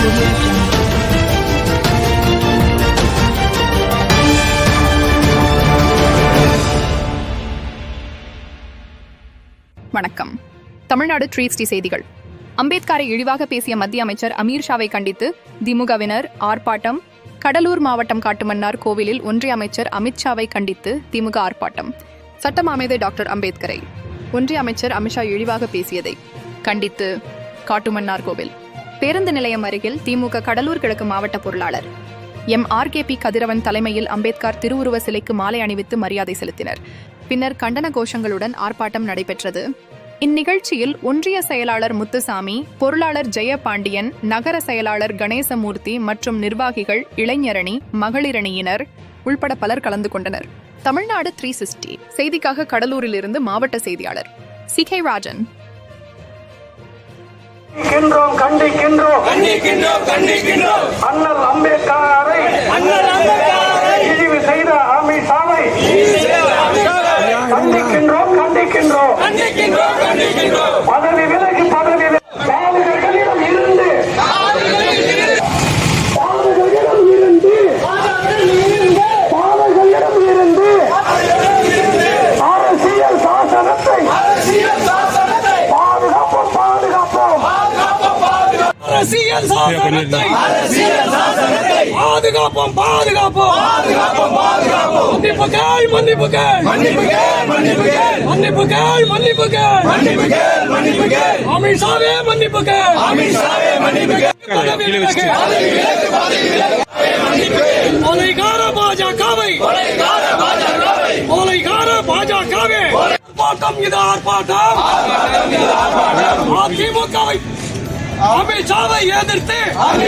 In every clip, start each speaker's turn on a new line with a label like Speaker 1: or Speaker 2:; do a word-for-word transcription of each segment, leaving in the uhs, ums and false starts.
Speaker 1: வணக்கம். Tamil Nadu three sixty செய்திகள். அம்பேத்கரை இழிவாக பேசிய மத்திய அமைச்சர் அமீர் ஷாவை கண்டித்து திமுகவினர் ஆர்ப்பாட்டம். கடலூர் மாவட்டம் காட்டுமன்னார் கோவிலில் ஒன்றிய அமைச்சர் அமித்ஷாவை கண்டித்து திமுக ஆர்ப்பாட்டம். சட்டம் அமைதி டாக்டர் அம்பேத்கரை ஒன்றிய அமைச்சர் அமித்ஷா இழிவாக பேசியதை கண்டித்து காட்டுமன்னார் கோவில். பேருந்து நிலையம் அருகில் திமுக கடலூர் கிழக்கு மாவட்ட பொருளாளர் M R K P Kathiravan தலைமையில் அம்பேத்கர் திருவுருவ சிலைக்கு மாலை அணிவித்து மரியாதை செலுத்தினர். பின்னர் கண்டன கோஷங்களுடன் ஆர்ப்பாட்டம் நடைபெற்றது. இந்நிகழ்ச்சியில் ஒன்றிய செயலாளர் முத்துசாமி, பொருளாளர் ஜெயபாண்டியன், நகர செயலாளர் கணேசமூர்த்தி மற்றும் நிர்வாகிகள், இளைஞரணி, மகளிரணியினர் உள்பட பலர் கலந்து கொண்டனர். தமிழ்நாடு த்ரீ சிக்ஸ்டி செய்திக்காக கடலூரிலிருந்து மாவட்ட செய்தியாளர் சி கே ராஜன்.
Speaker 2: கண்டிக்கின்றோம் கண்டிக்கின்றோம் கண்டிக்கின்றோம் கண்டிக்கின்றோம் அண்ணல் அம்பேத்கரை இழிவு செய்த அமித்ஷாவை கண்டிக்கின்றோம் கண்டிக்கின்றோம் கண்டிக்கின்றோம் கண்டிக்கின்றோம் பதவி விலகி பதவி பாதுகாகளிடம் இருந்து பாதுகாகளிடம் இருந்து பாதுகாகளிடம் இருந்து அரசியல் சாசனத்தை பாதுகாப்போம் பாதுகாப்போம் அரசியல் சாசனத்தை பாதுகாப்போம் பாதுகாப்போம் மன்னிப்புகள் மன்னிப்புகள் மன்னிப்புகள் மன்னிப்புகள் மன்னிப்புகள் மன்னிப்புகள் அமித்ஷாவே மன்னிப்புகள் அமித்ஷாவே மன்னிப்புகள் கொலைகார பாஜகவை கொலைகார பாஜகவே ஆர்ப்பாட்டம் இது ஆர்ப்பாட்டம் அதிமுகவை அமித்ஷாவை எதிர்த்து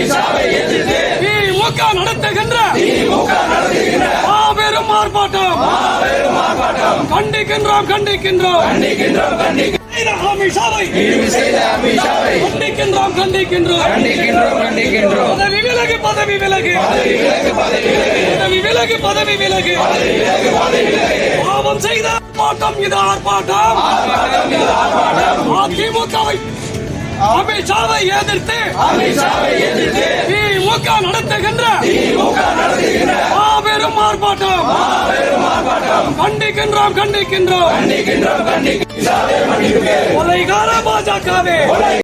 Speaker 2: திமுக நடத்துகின்ற மாபெரும் ஆர்ப்பாட்டம் கண்டிக்கின்றோம் கண்டிக்கின்றோம் அமித்ஷாவை கண்டிக்கின்றோம் கண்டிக்கின்றோம் பதவி விலகு பதவி விலகு பதவி விலகு பதவி விலகு பாவம் செய்த ஆர்ப்பாட்டம் இது ஆர்ப்பாட்டம் அதிமுகவை அமித்ஷாவை எதிர்த்து திமுக நடத்துகின்ற மாபெரும் ஆர்ப்பாட்டம் கண்டிக்கின்றோம் கண்டிக்கின்றோம் கொலைகார பாஜகவே